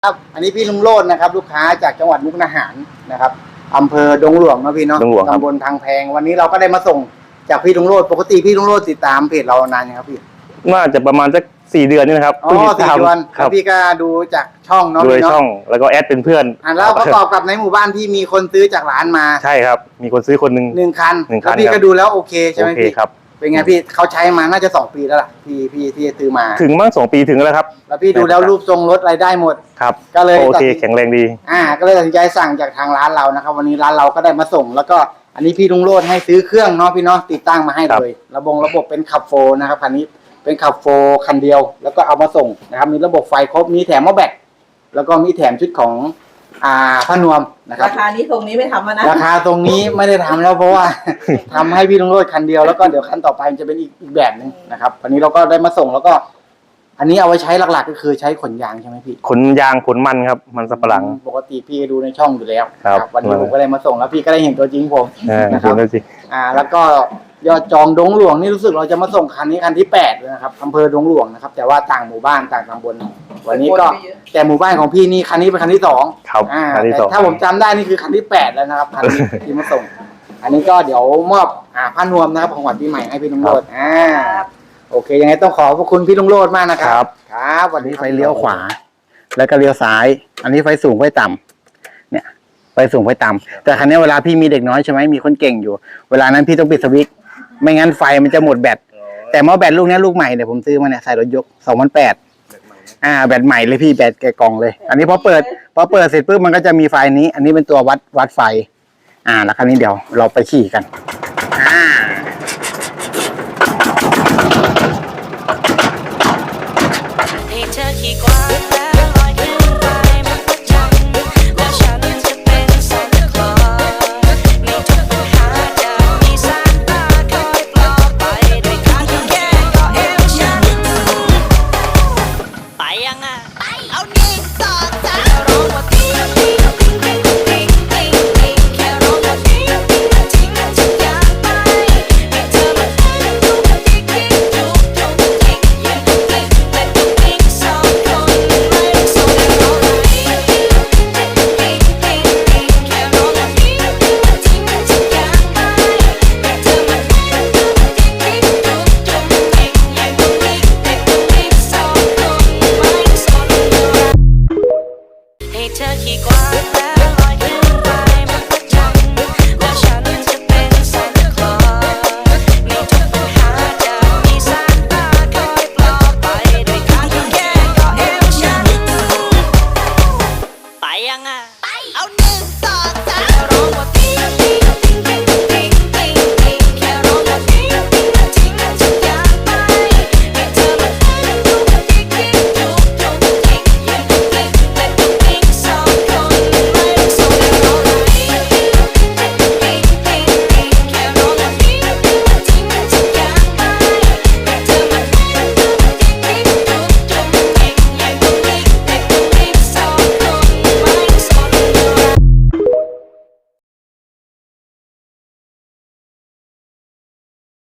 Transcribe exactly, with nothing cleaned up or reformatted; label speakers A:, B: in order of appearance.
A: ครับอันนี้พี่ลุงโรจน์นะครับลูกค้าจากจังหวัดมุกดาหารนะครับอำเภอดงหลวงนะพี่เนาะตำบลทางแพงวันนี้เราก็ได้มาส่งจากพี่ลุงโรจน์ปกติพี่ลุงโรจน์ติดตามเพจเรานานยังครับพี่
B: น่าจะประมาณสักสี่เดือนนี่นะครับ
A: อ๋อสี่เดือนครับพี่ก็ดูจากช่องเนาะ
B: ดูช่องแล้วก็แอดเป็นเพื่อน
A: อ่าแล้วประกอบกับในหมู่บ้านพี่มีคนซื้อจากร้านมา
B: ใช่ครับมีคนซื้อคนหนึ่ง
A: หนึ่งคัน
B: หนึ่งคัน
A: แล้วพี่ก็ดูแล้วโอเคใช่ไหมพี่
B: ครับ
A: เป็นไงพี่เขาใช้มาน่าจะสองปีแล้วล่ะพี่พี่ที่ซื้อมา
B: ถึงมั้งสองปีถึงแล้วครับ
A: แล้วพี่ดูแล้วรูปทรงรถอะไรได้หมด
B: ครับ
A: ก็เลย
B: โอเคแข็งแรงดี
A: อ่าก็เลยตัดสินใจสั่งจากทางร้านเรานะครับวันนี้ร้านเราก็ได้มาส่งแล้วก็อันนี้พี่ลุงโรจน์ให้ซื้อเครื่องเนาะพี่เนาะติดตั้งมาให้เลยระบบระบบเป็นขับโฟนะครับคันนี้เป็นขับโฟคันเดียวแล้วก็เอามาส่งนะครับมีระบบไฟครบมีแถมหม้อแบตแล้วก็มีแถมชุดของอ่าผ้านวมนะครับ
C: ราคานี้ตรงนี้ไม่ทำแล้วนะ
A: ราคาตรงนี้ไม่ได้ทำแล้วเพราะว่า ทำให้พี่ลุงโรจน์คันเดียวแล้วก็เดี๋ยวคันต่อไปจะเป็นอีกอีกแบบนึงนะครับวันนี้เราก็ได้มาส่งแล้วก็อันนี้เอาไว้ใช้หลักๆก็คือใช้ขนยางใช่ไหมพี่
B: ขนยางขนมันครับมันสับปะหลัง
A: ปกติพี่ดูในช่องอยู่แล้ว
B: ครับ
A: วันนี้ผมก็ได้มาส่งแล้วพี่ก็ได้เห็นตัวจริงผม
B: นะครับ
A: อ่าแล้วก็ยอดจองดงหลวงนี่รู้สึกเราจะมาส่งคันนี้คันที่แปดเลยนะครับอำเภอดงหลวงนะครับแต่ว่าต่างหมู่บ้านต่างตำบลวันนี้ก็แต่หมู่บ้านของพี่นี่คันนี้เป็นคันที่สอง
B: ครับคันที่สอง
A: ถ้าผมจำได้นี่คือคันที่แปดแล้วนะครับคันนี้ที่มาส่งอันนี้ก็เดี๋ยวมอบอ่าผ้านวมนะครับของขวัญปีใหม่ให้พี่ลุงโรจน์อ่าโอเคยังไงต้องขอขอบคุณพี่ลุงโรจน์มากนะครับครับวันนี้ไฟเลี้ยวขวาแล้วก็เลี้ยวซ้ายอันนี้ไฟสูงไฟต่ำเนี่ยไฟสูงไฟต่ำแต่คันนี้เวลาพี่มีเด็กน้อยใช่ไหมมีคนเก่งอยู่เวลานั้นพี่ต้องปิดสวิตช์ไม่งั้นไฟมันจะหมดแบตแต่หม้อแบตลูกนี้ลูกใหม่เนี่ยผมซื้อมาเนี่ยใส่รถยกสองพันแปดอ่าแบตใหม่เลยพี่แบตแกกองเลยอันนี้พอเปิดพอเปิดเสร็จปุ๊บมันก็จะมีไฟนี้อันนี้เป็นตัววัดวัดไฟอ่าแล้วคราวนี้เดี๋ยวเราไปขี่กันอ่า